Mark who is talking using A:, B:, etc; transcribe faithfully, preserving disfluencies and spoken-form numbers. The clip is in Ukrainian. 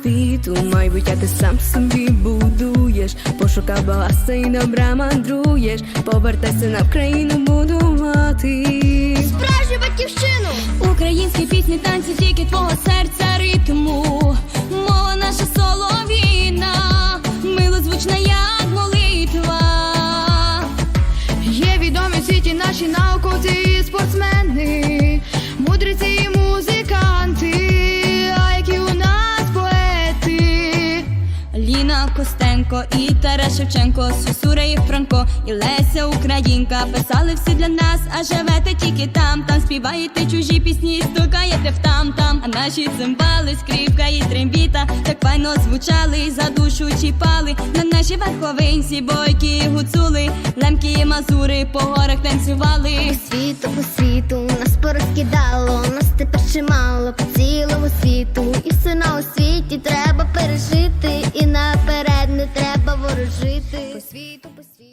A: світу, майбуття ти сам собі будуєш, пошукав багатства і добра мандруєш, повертайся на Вкраїну будувати
B: справжню батьківщину.
C: Українські пісні, танці, тільки твого серця ритму. Мова наша солов'їна, милозвучна, як молитва.
B: Є відомі в світі наші науковці і спортсмени, мудреці і музиканти, а які у нас поети.
C: Ліна Костенко і Тарас Шевченко, Сосура і Франко, і Леся Українка писали всі для нас, а живете тільки там. Там співаєте чужі пісні, стукаєте в там-там, а наші цимбали, скрипка і трембіта так файно звучали, за душу чіпали. На нашій верховинці бойкі і гуцули, лемки і мазури по горах танцювали.
D: По світу, по світу нас порозкидало, нас тепер чимало по цілому світу. І все на освіті треба пережити, і наперед не треба ворожити. По світу, по світу.